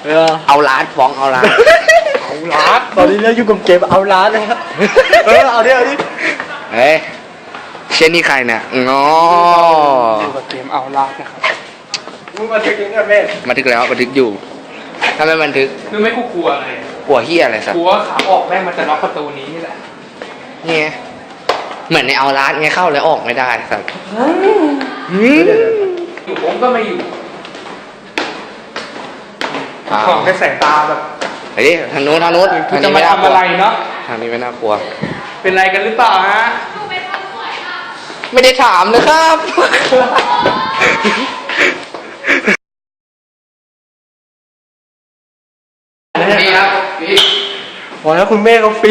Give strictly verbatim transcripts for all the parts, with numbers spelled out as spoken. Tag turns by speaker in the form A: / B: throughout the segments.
A: เอาล้านฟ้องเอาล้าน
B: เอาล้านตอนนี้เราอยู่กับเกมเอาล้านนะครับเออเอาดิเอาดิ
A: เฮ้ยเช่นนี้ใครเนี่ยอ๋อ
B: อยู่กับเกมเอาล้านนะครับมึงบันทึกยังไงแม่
A: บันทึกแล้วบันทึกอยู่ทำไมบันทึก
B: คือไม่กูกลัวอะไร
A: กลัวเฮียอะไรสัก
B: กลัวขาออกแม่งมันจะล็อกประตูนี้นี่แหละ
A: เนี่ยเหมือนในเอาล้านไงเข้าแล้วออกไม่ได้สัก
B: อยู่ผมก็ไม่อยู่ของแค่สายตาแบบ
A: เฮ้ยทางโน้นทางโน้น
B: ทางนี้ไม่ทำอะไรเนาะ
A: ทางนี้ไม่น่ากลัว
B: เป็นไรกันหรือเปล่าฮะ
A: ไม่ได้ถามเลยครับนี่ครับพี่
B: บอกแล้วคุณแม่เขาฟี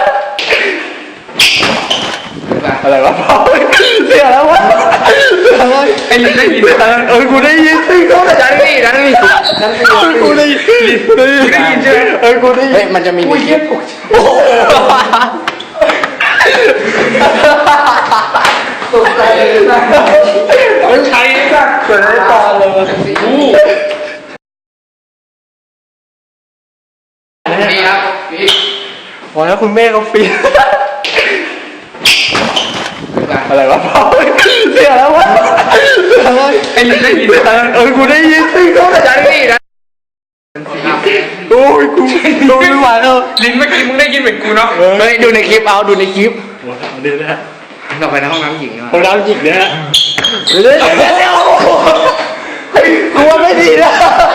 B: อะไรวะพ่อเสียแล้ววะไอ้ลิงได้ยินเออกูได้ยินสิเขาดังนี่ดังนี่ดังนี่กูได้ยินกูได้ยินได้ยินใช่ไหมเออกูได้ยิน
A: เฮ้ยมันจะมี
B: กูเยี่ยมกูโอ้ตกใจเลยนะมันใช้สักเกิดอะไรต่อเลย
A: นี่ครับพี่
B: บอกแล้วคุณแม่เขาฟีอะไรวะพ่อเสียแล้ววะไอ้ลิงได้ยินเออกูได้ยินสิเขาดังนี่นะโอ้ยกูดูไม่ไหวแล้วลิงเมื่อกี้มึงได้ยินเหมือนกูเนาะ
A: เฮ้ยดูในคลิปเอาดูในคลิป
B: เดี๋ยวนะ
A: เราไปในห้องน้ำหญิง
B: ห้องน้ำหญิงนะฮะเดี๋ยวเดี๋ยวกลัวไม่ดีนะ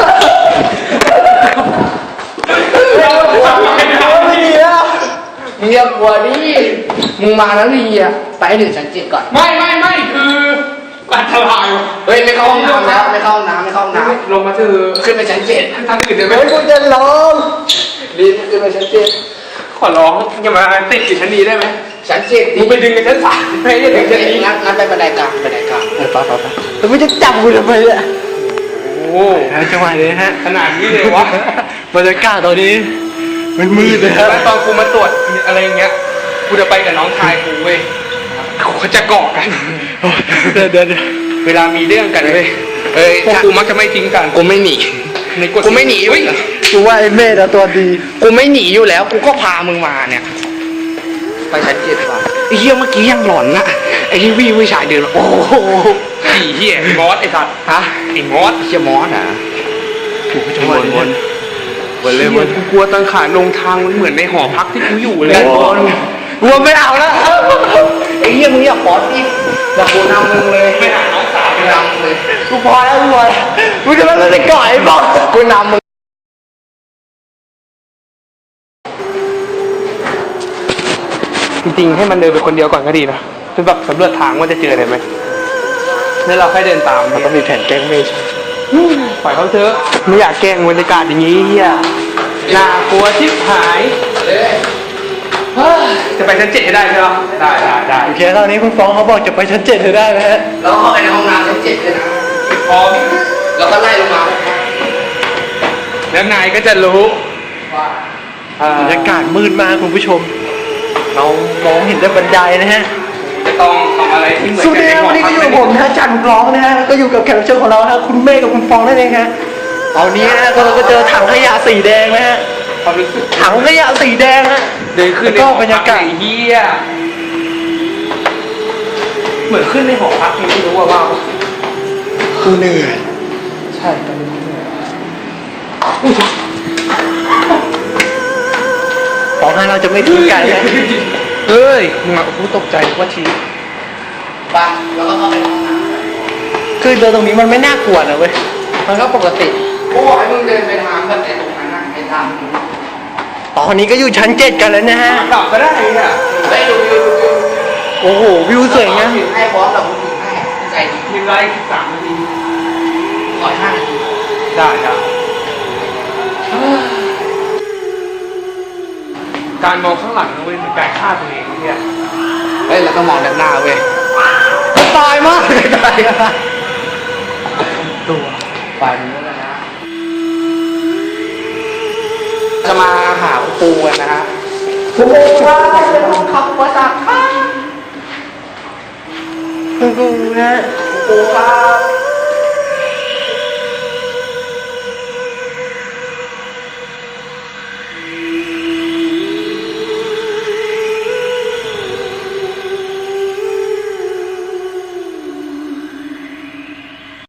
A: เงียบกว่าดิมึงมาแล้วดีอ่ะไปถึงชั้นเจ็ดก่อน
B: ไม่ไม่ไม่คืออันตราย
A: เฮ้ยไม่เข้าห้องน้ำแล้วไม่เข้าห้องน้ำไม่เข้าห้องน้
B: ำลงมาเถอะ
A: ขึ้นไปชั้นเจ็ด
B: ทางอื่นเดี๋ยว
A: ไม่กูจะร้องรีบขึ้นไปชั้นเจ็ด
B: ขอร้องอย่ามาติดอยู่ชั้นนี้ได้ไหม
A: ชั้นเจ็ด
B: มึงไปดึงกันชั้นสามไม่ได้ดึงชั้นนี้
A: งั้นงั้นไปบันไดกลางบันไดกลาง
B: ไปไปไปแต่ไม่จะจับกูทำไมเนี่ยโอ้จังหวะนี้ฮะขนาดนี้เลยวะบรรยากาศตอนนี้มันมืดเลยฮะตอนกูมาตรวจอะไรเงี้ยกูจะไปกับน้องชายกูเว้ยเขาจะเกาะกันเดี๋ยวเดี๋ยวเวลามีเรื่องกันเว้ยเอ้ยพวกกูมักจะไม่ทิ้งกัน
A: กูไม่หนีกูไม่หนีเว้ย
B: กูว่าไอ้เมธอะตัวดี
A: กูไม่หนีอยู่แล้วกูก็พามึงมาเนี่ยไปชั้นเจ็ดว่ะไอ้เหี้ยเมื่อกี้ยังหลอนนะไอ้ที่วิ่งวิชายเดินโอ้โห
B: ไอ้เหี้ยมอสไอ้สัตว์
A: ฮะ
B: ไอ้มอส
A: ไอ้เหี้ยมอสอ่ะ
B: กูจะวนวนวนเลยวนกูกลัวตังขาลงทางมันเหมือนในหอพักที่กูอยู่เลย
A: กลัวไม่เอาแล้วไอ้เหี้ยมึงอย่าปอดดิอย่ากูนำมึงเลย
B: ไม่หาน้องสาว
A: กูนำเลย
B: กูพอแล้วกูพอกูจะไม่ได้ก่อยบอก
A: กูนำมึง
B: จริงๆให้มันเดินไปคนเดียวก่อนก็ดีนะเป็นแบบสำรวจทางว่าจะเจออะไรไหมแล้วเราค่อยเดินตาม
A: มันต้องมีแผนแกล้งเมย์
B: ปล่อยเขาเถอะไม่อยากแกล้งบรรยากาศอย่างนี้เฮียน่ากลัวชิบหายจะไปชั้นเจ็ดให้ได้ใช่ไหมได้ได้ได้โอเคตอนนี้คุณฟ้องเขาบอกจะไปชั้นเจ็ดให้ได้นะฮะ
A: แล้วเข้าไปในห้องน้ำชั้นเจ็ดเลยนะ
B: พร้อม
A: แล้วก็ไล่ลงมา
B: แล้วนายก็จะรู้ว่าบรรยากาศมืดมากคุณผู้ชมเรามองเห็นแต่บันไดนะฮะจะต้องทำอะไรที่เหมือนกันในวันนี้ก็อยู่กับผมนะจันร้องนะฮะก็อยู่กับแขกรับเชิญของเราฮะคุณเมฆกับคุณฟองนั่นเองฮะตอนนี้นะเราก็เจอถังขยะสีแดงนะฮะถังขยะสีแดงฮะเดินขึ้นก็บรรยากาศเฮียเหมือนขึ้นในหอพักไม่รู้ว่าว่า
A: กูเหนื่อย
B: ใช่ตอนนี้เหนื่อยฟองให้เราจะไม่ทิ้งกันนะเฮ้ยมึงอ่ะกูตกใจว่าที
A: ไปแล้วก็เข้าไปห้องน้ำ
B: คือเดินตรงนี้มันไม่น่ากลัวนะเว้ยมันก็ปกติ
A: กูบอกให้มึงเดินไปทางแบบไหนตรงนั้นนะไปทาง
B: ตอนนี้ก็อยู่ชั้นเจ็ดกันแล้วนะฮะกลับก็ได้อ่ะ
A: ได้ดูวิวดูวิว
B: โอ้โหวิวสวยนะ
A: ให้พร้อมเราคุณให้ใจดี
B: ทีไรสามนาที
A: ก่อนห้านาที
B: ได้ครับการมองข้างหลังนะเว้ยมันไก่ฆ่าตัวเองเนี่ย
A: เฮ้ยเราต้องมองด้านหน้าเว้ย
B: ตายมากเลยตายตัว
A: ไปนู้นแล้วนะจะมาหาปูกันนะฮะ
B: ปูครับจะต้องขับมาจากข้างปูนะ
A: ปูครับ